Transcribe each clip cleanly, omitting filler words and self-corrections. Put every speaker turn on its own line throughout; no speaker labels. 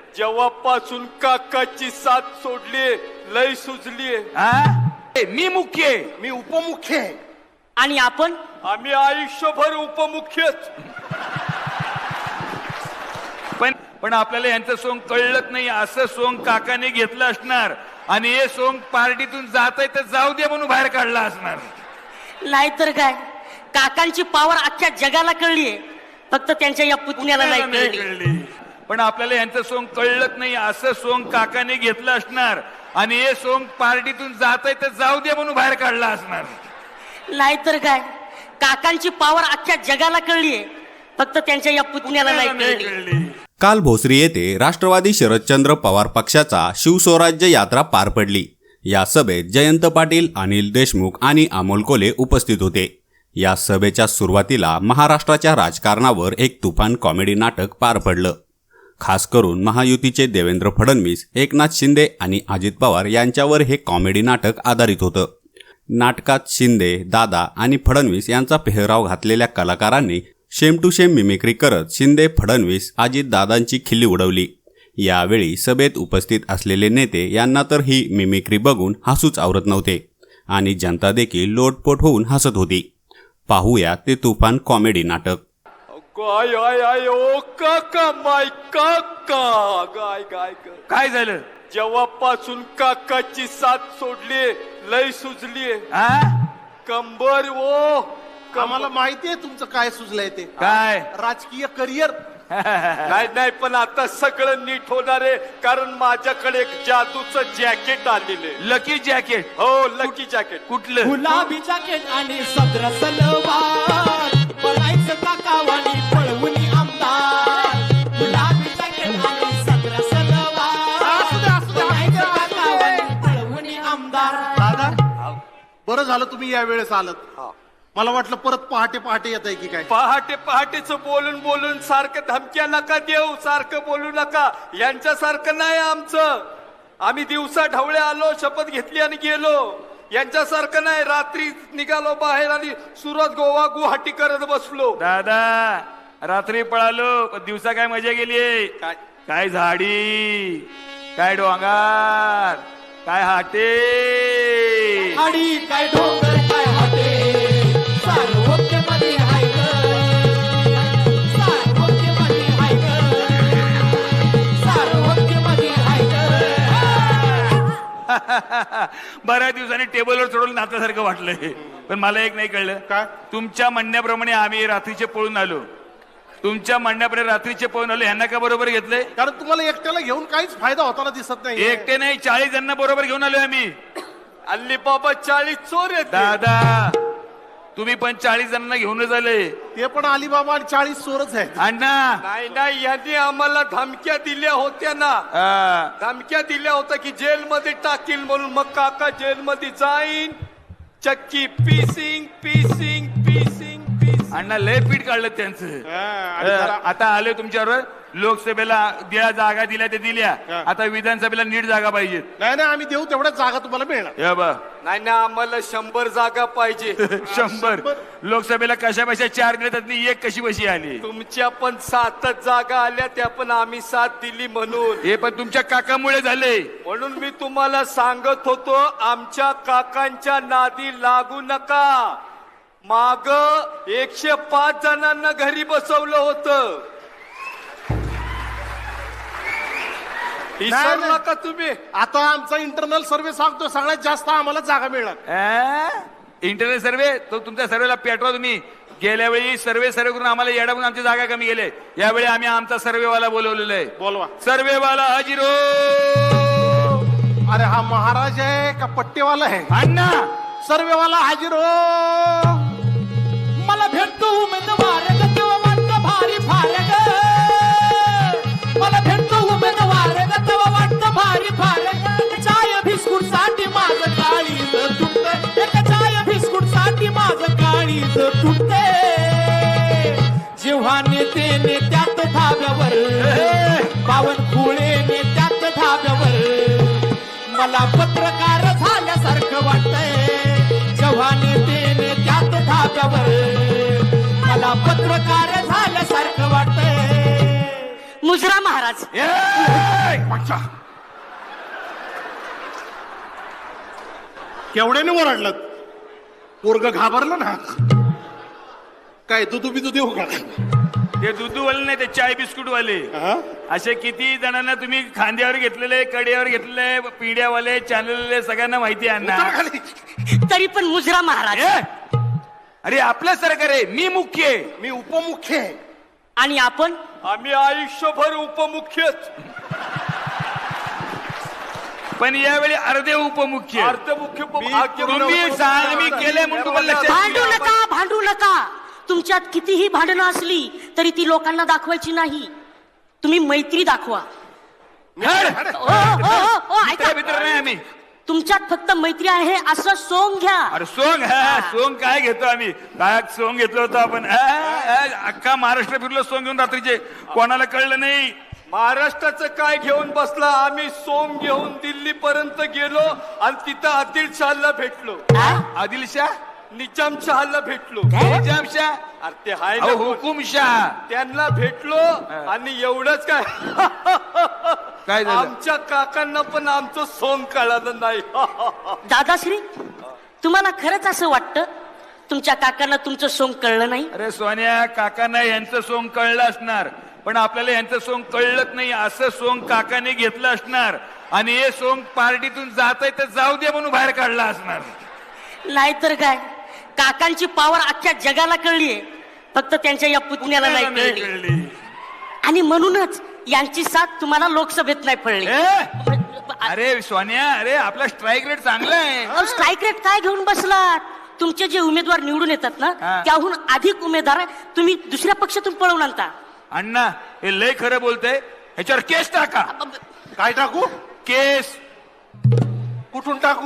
जेव्हापासून काकाची साथ सोडली लय सुजली.
मी मुख्य आहे.
मी उपमुख्य आहे.
आणि आपण
आम्ही आयुष्यभर उपमुख्यच.
पण आपल्याला यांचं सोंग कळलंच नाही. असं सोंग काकाने घेतलं असणार आणि हे सोंग पार्टीतून जात आहे तर जाऊ दे म्हणून बाहेर काढला असणार.
नाहीतर काय, काकांची पावर अख्ख्या जगाला कळलीये, फक्त त्यांच्या या पुतण्याला नाही कळली.
पण आपल्याला यांचं सोंग कळलंच नाही. असं सोंग काकाने घेतलं असणार आणि हे सोंग पार्टीतून जात आहे तर जाऊ दे म्हणून बाहेर काढला असणार.
नाहीतर काय, काकांची पावर अख्ख्या जगाला कळलीये, फक्त त्यांच्या या पुतण्याला नाही कळली.
काल भोसरी येथे राष्ट्रवादी शरदचंद्र पवार पक्षाचा शिवस्वराज्य यात्रा पार पडली. या सभेत जयंत पाटील, अनिल देशमुख आणि अमोल कोल्हे उपस्थित होते. या सभेच्या सुरुवातीला महाराष्ट्राच्या राजकारणावर एक तुफान कॉमेडी नाटक पार पडलं. खास करून महायुतीचे देवेंद्र फडणवीस, एकनाथ शिंदे आणि अजित पवार यांच्यावर हे कॉमेडी नाटक आधारित होतं. नाटकात शिंदे, दादा आणि फडणवीस यांचा पेहराव घातलेल्या कलाकारांनी शेम टू शेम मिमिक्री करत शिंदे, फडणवीस, अजित दादांची खिल्ली उडवली. यावेळी सभेत उपस्थित असलेले नेते यांना तर ही मिमिक्री बघून हसूच आवरत नव्हते आणि जनता देखील लोटपोट होऊन हसत होती. पाहूया ते तुफान कॉमेडी नाटक.
गाय आय आय ओ काका माय काका. गाय गाय गाय.
काय झालं?
जेव्हापासून काकाची साथ सोडली लय सुजली. कंबर ओ.
आम्हाला माहितीये तुमचं काय सुचलंय ते.
काय?
राजकीय करिअर.
नाही नाही, पण आता सगळं नीट होणार आहे, कारण माझ्याकडे एक जादूचं जॅकेट आलेले.
Lucky jacket?
हो, लकी जॅकेट.
कुठलं?
गुलाबी जॅकेट आणि सदर सलवार, पळायचं काकावानी पळवून आमदार. गुलाबी जॅकेट आणि सदर सलवार, पळायचं काकावानी पळवून आमदार.
दादा, बरं झालं तुम्ही या वेळेस आलत. मला वाटलं परत पहाटे पहाटे येत आहे की काय.
पहाटे पहाटेच बोलून बोलून सारखं धमक्या नका देऊ, सारखं बोलू नका. यांच्यासारखं नाही आमचं. आम्ही दिवसा ढवळे आलो, शपथ घेतली आणि गेलो. यांच्यासारखं नाही, रात्री निघालो बाहेर आणि सुरत, गोवा, गुवाहाटी करत बसलो.
दादा, रात्री पळालो पण दिवसा काय मजा गेली. काय झाडी, काय डोंगर, काय हाटे
आणि काय डोंगर, काय हाटे, सार्वत्र्यमध्ये हाय ग, सार्वत्र्यमध्ये हाय ग, सार्वत्र्यमध्ये हाय ग.
बऱ्याच दिवसांनी टेबलवर चढून नात्यासारखं वाटलंय. पण मला एक नाही कळलं.
काय?
तुमच्या म्हणण्याप्रमाणे आम्ही रात्रीचे पळून आलो. तुमच्या म्हणण्याप्रमाणे रात्रीचे पळून आलो. ह्यांना का बरोबर घेतलंय?
कारण तुम्हाला एकट्याला घेऊन काहीच फायदा होताना दिसत नाही.
एकटे नाही, 40 जणांना बरोबर घेऊन आलोय आम्ही.
अल्ली बाबा 40 चोर आहेत.
दादा, तुम्ही पण 40 जणांना घेऊनच आले.
ते पण अलिबाबा आणि 40 चोरच आहेत.
अण्णा,
नाही नाही, यांनी आम्हाला धमक्या दिल्या होत्या ना. धमक्या दिल्या होत्या की जेलमध्ये टाकील म्हणून. मग काका जेलमध्ये जाईन, चक्की पीसिंग पीसिंग पीसिंग पीसिंग.
अण्णा लय पीठ काढलं त्यांचं. आता आले तुमच्यावर. लोकसभेला ज्या जागा दिल्या ते दिल्या, आता विधानसभेला नीट जागा पाहिजेत.
नाही नाही, आम्ही देऊ तेवढ्याच जागा तुम्हाला मिळणार.
हे बघ,
नाही ना, आम्हाला 100 जागा पाहिजे.
100. लोकसभेला कशा बशा 4 दिल्या, त्यातली एक कशी बशी आली.
तुमच्या पण 7 जागा आल्या, त्या पण आम्ही 7 दिली म्हणून.
हे पण तुमच्या काकामुळे झाले.
म्हणून मी तुम्हाला सांगत होतो, आमच्या काकांच्या नादी लागू नका. माग 105 जणांना घरी बसवलं होतं. विसरू नका तुम्ही.
आता आमचा इंटरनल सर्व्हे सांगतो सगळ्यात जास्त आम्हाला जागा मिळणार.
इंटरनल सर्वे तो तुमच्या सर्वेला पेटवा तुम्ही. गेल्या वेळी सर्वे करून आम्हाला येडा म्हणून आमची जागा कमी गेले. यावेळी आम्ही आमचा सर्वेवाला बोलवलेला आहे.
बोलवा.
सर्वेवाला हाजीरो.
अरे हा महाराज आहे का पट्टेवाला आहे?
अण्णा,
सर्वेवाला हाजीर हो.
मला भेटतो उमेदवार ग, तेव्हा वाटतं भारी फारग. मला भेटतो उमेदवार ग, तेव्हा वाटतं भारी फारग. चाय बिस्कुट साठी माझं काळीज तुटत, एक चाय बिस्कुट साठी माझं काळीज तुटते. जेव्हा नेते नेत्यात धाब्यावर, बावनकुळे नेत्यात धाब्यावर, मला पत्रकार झाल्यासारखं वाटतंय. जेव्हा नेते नेत्यात धाब्यावर, मला पत्रकार झाल्यासारखं वाटतंय.
मुजरा महाराज.
पंचा केवढ्याने ओरडलं पोरग घाबरलं ना काय दुधू बिदू देऊ का
ते दूधवाले नाही ते चाय बिस्कुट वाले
हा?
असे किती जणांना तुम्ही खांद्यावर घेतलेले कड्यावर घेतलेले पिढ्यावाले चॅनलले सगळ्यांना माहिती आहे
उतर
ना.
खाली.
तरी पण मुजरा महाराज
ए? अरे आपलं सरकार आहे, मी मुख्य आहे.
मी उपमुख्य आहे
आणि आपण
आम्ही आयुष्यभर उपमुख्यच
पण यावेळी अर्धे उपमुख्य.
अर्धमुख्य
तुम्ही सांग मी केलंय म्हणून तुम्हाला लक्षात
भांडू नका भांडू नका. तुमच्यात कितीही भांडणं असली तरी ती लोकांना दाखवायची नाही. तुम्ही मैत्री दाखवा.
हड.
ओ, ओ, ओ, ओ, ऐका.
मित्र नाही आम्ही.
तुमच्यात फक्त मैत्री आहे असं सोंग घ्या.
अरे सोंग सोंग काय घेतो आम्ही? काय सोंग घेतलं होतं आपण? अख्खा महाराष्ट्र फिरलो सोंग घेऊन रात्रीचे, कोणाला कळलं नाही.
महाराष्ट्राचं काय घेऊन बसला? आम्ही सोम घेऊन दिल्ली पर्यंत गेलो आणि तिथं आदिल शहाला भेटलो.
आदिलशाह
निजामशहाला भेटलो.
निजामशाह
अरे ते हाय ना कोण?
हुकुमशाह
त्यांना भेटलो आणि एवढंच काय
काय झालं?
आमच्या काकांना पण आमचं सोंग कळालं नाही.
दादाश्री, तुम्हाला खरंच असं वाटतं तुमच्या काकांना तुमचं सोंग कळलं नाही?
अरे सोन्या, काकांना यांचं सोंग कळलं असणार, पण आपल्याला यांचं सोंग कळलंच नाही. असं सोंग काकाने घेतलं असणार आणि हे सोंग पार्टीतून जात आहे तर जाऊ दे म्हणून बाहेर काढला असणार.
नाहीतर काय, काकांची पावर अख्ख्या जगाला कळलीये, फक्त त्यांच्या या पुतण्याला नाही कळली.
कळली.
आणि म्हणूनच यांची साथ तुम्हाला लोकसभेत नाही पडली.
अरे सोन्या, अरे आपला स्ट्राईक रेट चांगला आहे.
स्ट्राईक रेट काय घेऊन बसलात? तुमचे जे उमेदवार निवडून येतात ना,
हा.
त्याहून अधिक उमेदवार तुम्ही दुसऱ्या पक्षातून पळवून आणता.
अण्णा, हे लय खरं बोलतंय. ह्याच्यावर केस टाका.
काय टाकू
केस.
कुठून टाकू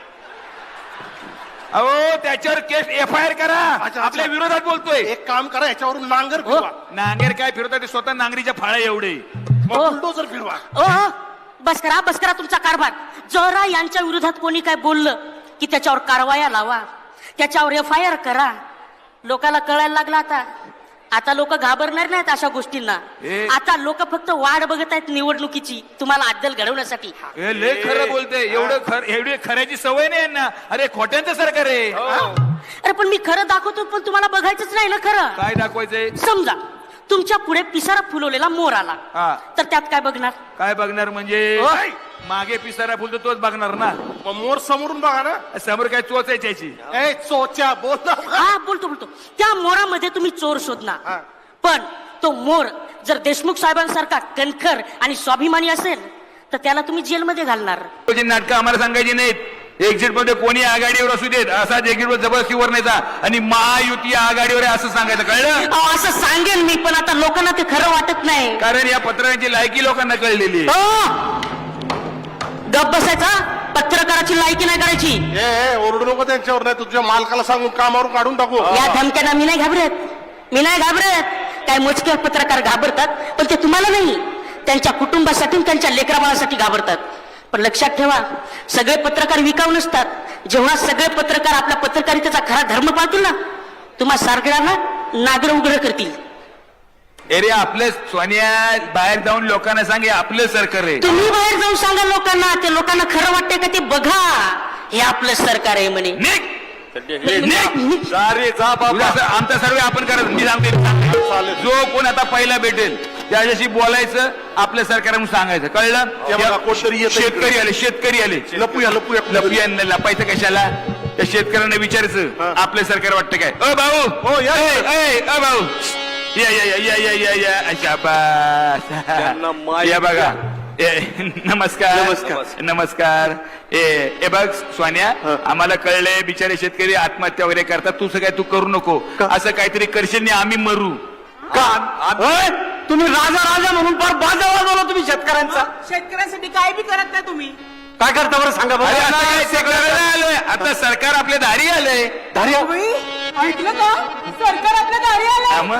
अहो त्याच्यावर केस FIR करा.
अच्छा.
आपल्या विरोधात बोलतोय.
एक काम करा याच्यावरून नांगर फिरवा
नांगेर काय फिरवतात ते स्वतः नांगरीच्या फाळ्या एवढे.
मग बुलडोझर फिरवा
ओ, बस करा तुमचा कारभार. जरा यांच्या विरोधात कोणी काय बोललं की त्याच्यावर कारवाया लावा, त्याच्यावर FIR करा. लोकाला कळायला लागला आता लोक घाबरणार नाहीत अशा गोष्टींना.
ए.
आता लोक फक्त वाट बघत आहेत निवडणुकीची, तुम्हाला अद्दल घडवण्यासाठी.
हे लय खरं बोलते. एवढी खऱ्याची सवय नाही यांना. अरे खोट्यांचं सरकार आहे.
अरे पण मी खरं दाखवतो, पण तुम्हाला बघायचंच नाही ना खरं.
काय दाखवायचंय?
समजा तुमच्या पुढे पिसारा फुलवलेला मोर आला,
हा.
तर त्यात काय बघणार?
काय बघणार म्हणजे?
ओय.
मागे पिसारा फुलतो तोच बघणार ना.
मग मोर समोरून बघा ना
समोर काय चोचायची?
ए चोच्या बोल ना.
हा, बोलतो त्या मोरामध्ये तुम्ही चोर शोधणार.
हा.
पण तो मोर जर देशमुख साहेबांसारखा कणखर आणि स्वाभिमानी असेल तर त्याला तुम्ही जेलमध्ये घालणार.
नाटकं आम्हाला सांगायची नाहीत. एक्झिट मध्ये कोणी आघाडीवर असू देत, असा एक्झिट वर जबरदस्तीवर नाही जा आणि महायुती आघाडीवर आहे असं सांगायचं, कळलं?
अहो, असं सांगेन मी, पण आता लोकांना ते खरं वाटत नाही.
कारण या पत्रांची लायकी लोकांना कळलेली आहे.
हो, गप बसायचा. पत्रकाराची लायकी नाही करायची.
ए ओरडू नको त्यांच्यावर, नाही तुझ्या मालकाला सांगून कामावरून काढून टाकू.
या धमक्यांना मी नाही घाबरत. काय मोजके पत्रकार घाबरतात, पण ते तुम्हाला नाही, त्यांच्या कुटुंबासाठी त्यांच्या लेकराबाळासाठी घाबरतात. पण लक्षात ठेवा, सगळे पत्रकार विकाऊ नसतात. जेव्हा सगळे पत्रकार आपल्या पत्रकारितेचा खरा धर्म पाळतील ना, तुम्हा सगळ्यांना नागर उघड करतील.
अरे आपलं सोनिया, बाहेर जाऊन लोकांना सांगे आपलं सरकार आहे.
तुम्ही बाहेर जाऊन सांगा लोकांना, ते लोकांना खरं वाटतंय का ते बघा, हे आपलं सरकार आहे म्हणे.
निघ.
जा रे जा बाबा.
आमचा सर्वे आपण करत. मी सांगते, जो कोण आता पहिला भेटेल त्याच्याशी बोलायचं, आपलं सरकार म्हणून सांगायचं, कळलं?
हे बघा, कोणतरी येतंय इकडे.
शेतकरी आले.
लपूया
लपायचं कशाला? त्या शेतकऱ्यांना विचारायचं आपलं सरकार वाटतं काय? ओ भाऊ,
हो, या.
ओ भाऊ, या शाबास.
त्यांना माहित
या बघा.
नमस्कार.
नमस्कार. ए बघ सोन्या, आम्हाला कळलंय बिचारे शेतकरी आत्महत्या वगैरे करतात. तू काय तू करू नको. असं काहीतरी करशील नाही आम्ही मरू.
तुम्ही राजा म्हणून फार बाजा वाजवला तुम्ही शेतकऱ्यांचा. शेतकऱ्यांसाठी काय बी करत नाही तुम्ही.
काय करता बरं सांगा
अरे आता काय ते करायला आलोय? आता सरकार आपल्या दारी आलंय.
ऐकलं का? सरकार आपल्या दारी आलं.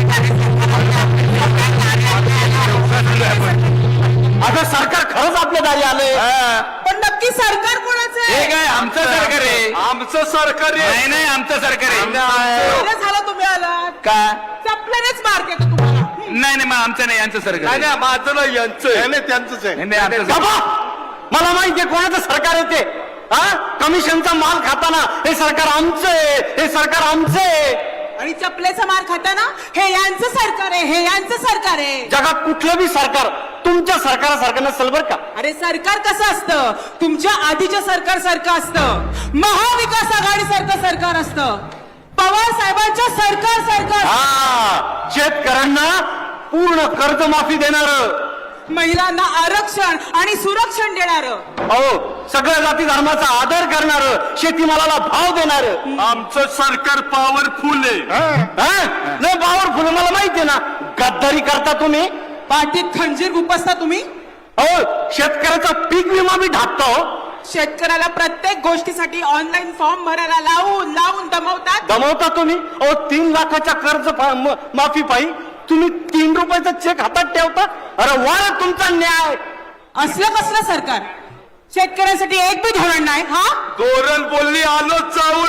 आता सरकार खरंच आपल्या दारी आलंय.
पण नक्की सरकार कोणाचं
हे
आहे?
काय आमचं सरकार आहे?
आमचं सरकार आहे.
नाही आमचं सरकार आहे.
बरं झालं तुम्ही आलात.
का?
चपल्यानेच मार देतो तुम्हाला.
नाही नाही, मग आमचं नाही, यांचं सरकार
नाही
आहे.
नाही, माझं नाही यांचं आहे.
नाही त्यांचंच आहे.
नाही, नाही, आमचं सरकार.
बाबा मला माहितीये कोणाचं सरकार येते. हा कमिशनचा माल खाताना हे सरकार आमचं आहे, हे सरकार आमचं आहे.
आणि चपलेचा मार खाताना हे यांचं सरकार आहे, हे यांचं सरकार आहे.
जगात कुठलं बी सरकार तुमच्या सरकारासारखं नसेल बरं का.
अरे सरकार कसं असतं, तुमच्या आधीच्या सरकार सारखं असतं, महाविकास आघाडी सारखं सरकार असतं, पवार साहेबांच्या सरकार सारखं.
हा शेतकऱ्यांना पूर्ण कर्जमाफी देणार,
महिलांना आरक्षण आणि सुरक्षण देणार,
अहो सगळ्या जाती धर्माचा आदर करणार, शेतीमालाला भाव देणार.
आमचं सरकार पॉवरफुल आहे.
नाही पॉवरफुल मला माहितीये ना. गद्दारी करता तुम्ही.
पाठीत खंजीर गुपसता तुम्ही.
अहो शेतकऱ्याचा पीक विमा बी ढाकता हो.
शेतकऱ्याला प्रत्येक गोष्टीसाठी ऑनलाईन फॉर्म भरायला लावून दमवतात.
दमवता तुम्ही. अहो 3 लाखाच्या कर्ज माफी पायी तुम्ही 3 रुपयाचा चेक हातात ठेवता. अरे वा तुमचा न्याय.
असलं कसलं सरकार, शेतकऱ्यांसाठी एक बी धोरण नाही. हा
धोरण बोलली आलो जाऊन.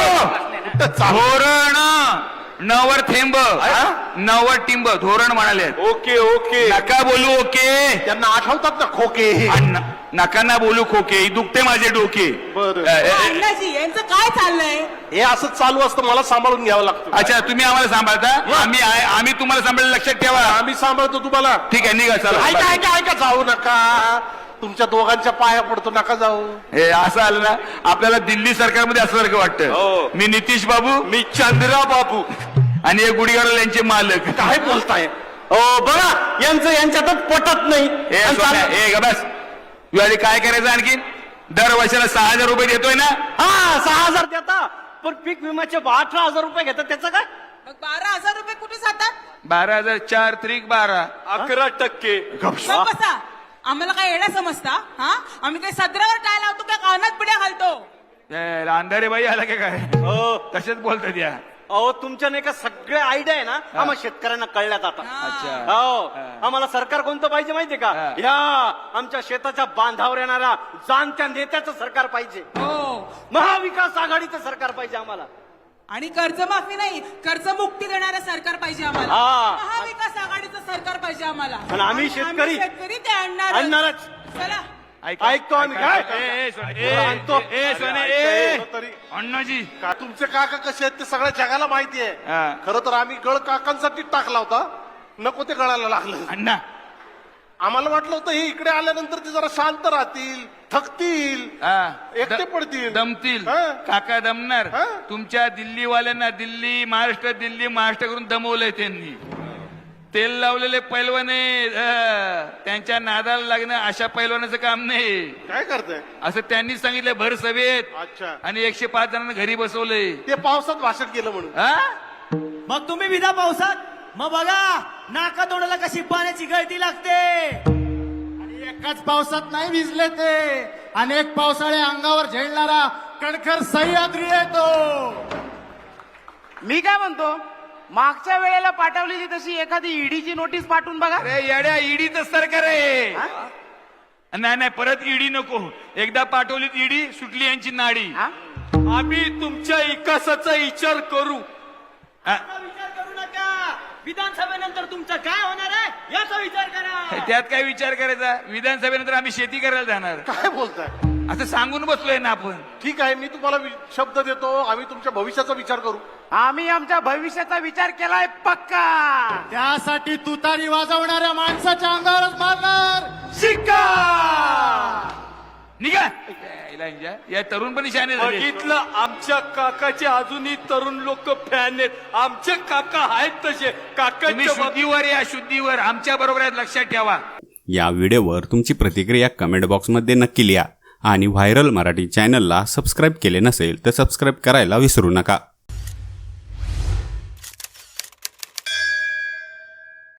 धोरण नवर थेंब नवर टिंब धोरण म्हणाले.
Okay okay.
नका बोलू ओके.
त्यांना आठवतात ना खोके.
नका ना बोलू खोके, दुखते माझे डोके.
बरं.
अण्णाजी यांचं काय चाललंय.
हे असं चालू असतं, मला सांभाळून घ्यावं लागतं.
अच्छा तुम्ही आम्हाला सांभाळता, आम्ही तुम्हाला सांभाळलं, लक्षात ठेवा.
आम्ही सांभाळतो तुम्हाला.
ठीक आहे निघा चला.
ऐका ऐका ऐका, जाऊ नका. तुमच्या दोघांच्या पाया पडतो, नका जाऊ.
हे असं आलं ना, आपल्याला दिल्ली सरकारमध्ये असल्यासारखं
हो.
वाटतं. मी नितीश बाबू,
मी चंद्रा बाबू
आणि हे गुढीगाडल यांचे मालक.
काय बोलताय.
हो बघा यांचं यांच्यातच पटत नाही.
हे सोन्या, हे ग बस. यावेळी काय करायचं आणखीन, दर वर्षाला 6,000 रुपये देतोय ना.
हा 6,000 देता, पण पीक विम्याचे 18,000 रुपये घेतात. त्याचं काय.
मग 12,000 रुपये कुठे जातात.
12,000 4 त्रिक 12.
11%.
मग बसा, आम्हाला काय येणं समजता. हा आम्ही काही सदरावर काय लावतो, काय कानात पिढ्या घालतो.
अंधारे बाई आला का काय, तसेच बोलतात या.
अहो तुमच्या नाही का सगळे आयडिया आहे ना, आम्हाला शेतकऱ्यांना कळल्यात आता.
अच्छा.
हो आम्हाला सरकार कोणतं पाहिजे माहितीये का. ह्या आमच्या शेताच्या बांधावर येणाऱ्या जाणत्या नेत्याचं सरकार पाहिजे.
हो
महाविकास आघाडीचं सरकार पाहिजे आम्हाला.
आणि कर्जमाफी नाही, कर्जमुक्ती देणारं सरकार पाहिजे आम्हाला.
हा.
महाविकास आघाडीचं सरकार पाहिजे आम्हाला.
आणि आम्ही शेतकरी
ते
आणणारच.
चला
ऐकतो आम्ही. काय
आणतो
तरी
अण्णाजी.
का तुमचे काका कसे आहेत ते सगळ्या जगाला माहिती आहे.
हा.
खरं तर आम्ही गळ काकांसाठी टाकला होता, नको ते गळायला लागलं.
अण्णा
आम्हाला वाटलं होतं हे इकडे आल्यानंतर ते जरा शांत राहतील, थकतील, एकटे पडतील,
दमतील.
हा.
काका दमणार.
हा.
तुमच्या दिल्लीवाल्यांना दिल्ली महाराष्ट्र करून दमवलंय त्यांनी. तेल लावलेले पैलवाने त्यांच्या नादाला लागणं अशा पैलवानाचं काम नाही.
काय करताय.
असं त्यांनी सांगितलं भर सभेत.
अच्छा.
आणि 105 जणांना घरी बसवलंय.
ते पावसात भाषण केलं म्हणून.
हा?
मग तुम्ही विधा पावसात, मग बघा नाका तोंडाला कशी पाण्याची गळती लागते. आणि एकाच पावसात नाही भिजले ते, अनेक पावसाळे अंगावर झेलणारा कणखर सह्याद्री येतो.
मी काय म्हणतो, मागच्या वेळेला पाठवलेली तशी एखादी ईडीची नोटीस पाठवून बघा.
अरे येड्या, ईडीचं सरकार आहे. नाही नाही परत ईडी नको. एकदा पाठवलीत ईडी, सुटली यांची नाडी.
आम्ही तुमच्या विकासाचा विचार करू.
विचार करू नका, विधानसभेनंतर तुमचं काय होणार आहे याचा विचार करा.
त्यात काय विचार करायचा. विधानसभेनंतर आम्ही शेती करायला जाणार.
काय बोलताय.
असं सांगून बसलोय ना आपण.
ठीक आहे, मी तुम्हाला शब्द देतो, आम्ही तुमच्या भविष्याचा विचार करू.
आम्ही आमच्या भविष्याचा विचार केलाय पक्का.
त्यासाठी तुतारी वाजवणाऱ्या माणसाच्या अंगावरच मारणार शिक्का.
निघा. या तरुण पण शाने झाले.
बघितलं, आमच्या काकाचे अजूनही तरुण लोक फॅन आहेत. आमचे काका आहेत तसे.
तुम्ही
काकांच्या
शुद्धीवर या, शुद्धीवर आमच्या बरोबर आहेत, लक्षात ठेवा.
या व्हिडिओवर तुमची प्रतिक्रिया कमेंट बॉक्समध्ये नक्की लिहा आणि व्हायरल मराठी चॅनलला सबस्क्राईब केले नसेल तर सबस्क्राईब करायला विसरू नका.